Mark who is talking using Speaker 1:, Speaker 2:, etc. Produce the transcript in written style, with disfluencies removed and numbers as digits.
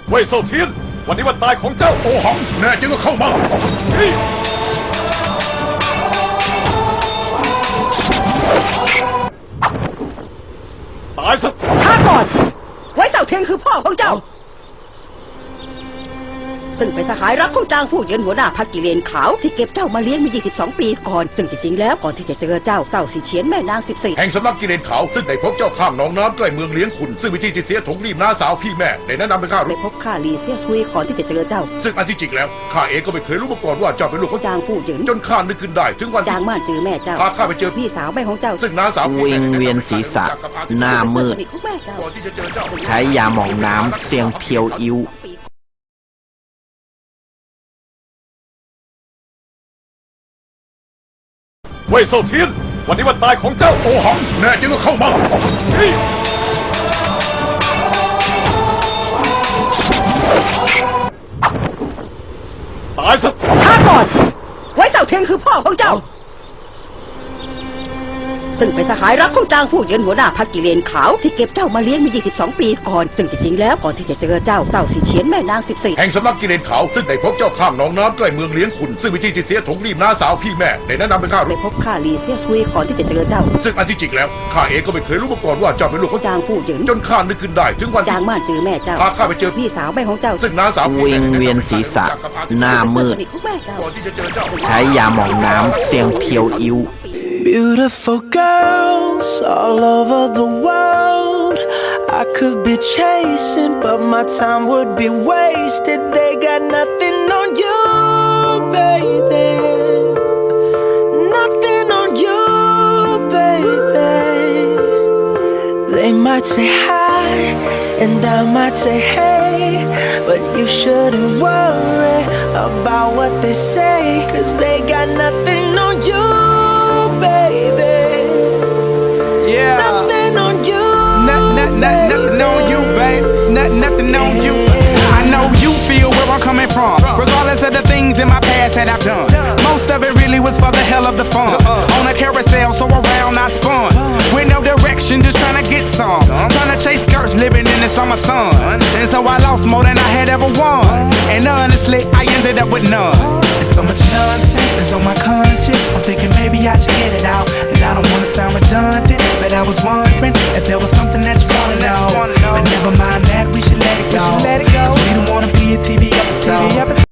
Speaker 1: เว่ยเซาเทียนวันนี้วันตายของเจ้าโอหังแน่จริงก็เข้ามาตายซะ
Speaker 2: ช้าก่อนไว้เสาเทียนคือพ่อของเจ้าซึ่งเป็นสหายรักของจางฟู่เหยินหัวหน้าพรรคกิเลนขาวที่เก็บเจ้ามาเลี้ยงมา22 ปีก่อนซึ่งจริงๆแล้วก่อนที่จะเจอเจ้าเศร้าสีเฉียนแม่นาง14
Speaker 1: แห่งสำนักกิเลนขาวซึ่งได้พบเจ้าข้างหนองน้ำใกล้เมืองเลี้ยงขุนซึ่งวิธีที่เสียถงรีบน้าสาวพี่แม่ได้แนะนำให้ข้า
Speaker 2: ได้พบข้าลีเซียซุยก่อนที่จะเจอเจ้า
Speaker 1: ซึ่งอันที่จริงแล้วข้าเองก็ไม่เคยรู้มาก่อนว่าเจ้าเป็นลูกของ
Speaker 2: จางฟู่เหยิน
Speaker 1: จนข้านึกขึ้นได้ถึงวัน
Speaker 2: จางม่านเจอแม่เจ้า
Speaker 1: พาข้าไปเจอ
Speaker 2: พี่สาวแม่ของเจ้า
Speaker 1: ซึ่งน้าสาว
Speaker 3: วิงเวียนศีรษะหน้ามืดใช้ยาหมองน้ำเสียงเพียวอิ้ว
Speaker 1: เว่ยเซาเทียนวันนี้วันตายของเจ้าโอหังแน่จริงก็เข้ามาตายซะ
Speaker 2: ช้าก่อนไว้เสาเทียนคือพ่อของเจ้าซึ่งเป็นสหายรักของจางฟู่เหยินหัวหน้าพรรคกิเลนขาวที่เก็บเจ้ามาเลี้ยงมา22 ปีก่อนซึ่งจริงๆแล้วก่อนที่จะเจอเจ้าเศร้าสีเฉียนแม่นาง14
Speaker 1: แห่งสำนักกิเลนขาวซึ่งได้พบเจ้าข้างหนองน้ำใกล้เมืองเลี้ยงขุนซึ่งวิธีที่เสียถงรีบน้าสาวพี่แม่ได้แนะนำให้ข้า
Speaker 2: ได้พบข้าลีเซียซุยก่อนที่จะเจอเจ้า
Speaker 1: ซึ่งอันที่จริงแล้วข้าเองก็ไม่เคยรู้มาก่อนว่าเจ้าเป็นลูกของ
Speaker 2: จางฟู่เหยิน
Speaker 1: จนข้านึกขึ้นได้ถึงวัน
Speaker 2: จางม่านเจอแม่เจ้า
Speaker 1: พาข้าไปเจอ
Speaker 2: พี่สาวแม่ของเจ้า
Speaker 3: ซึ่งน้าสาววิงเวียนศีรษะหน้ามืดใช้ยาหมองน้ำเสียงเพียวอิ้ว
Speaker 4: Beautiful girls all over the world I could be chasing but my time would be wasted They got nothing on you, baby Nothing on you, baby They might say hi and I might say hey But you shouldn't worry about what they say Cause they got nothing on you,baby. Yeah. Nothing on you.
Speaker 5: Nothing on you, babe. Nothing on you. I know you feel where I'm coming from. Regardless of the things in my past that I've done. Most of it really was for the hell of the fun. On a carousel, so around I spun. With no direction, just trying to get some. Trying to chase skirts, living in the summer sun. And so I lost more than I had ever won. And honestly, I ended up with none. There's so much nonsense is on my conscience. I'm thinking maybe I should get it out. And I don't wanna sound redundant, but I was wondering if there was something that you wanna know. But never mind that, we should let it go. Cause we don't wanna be a TV episode.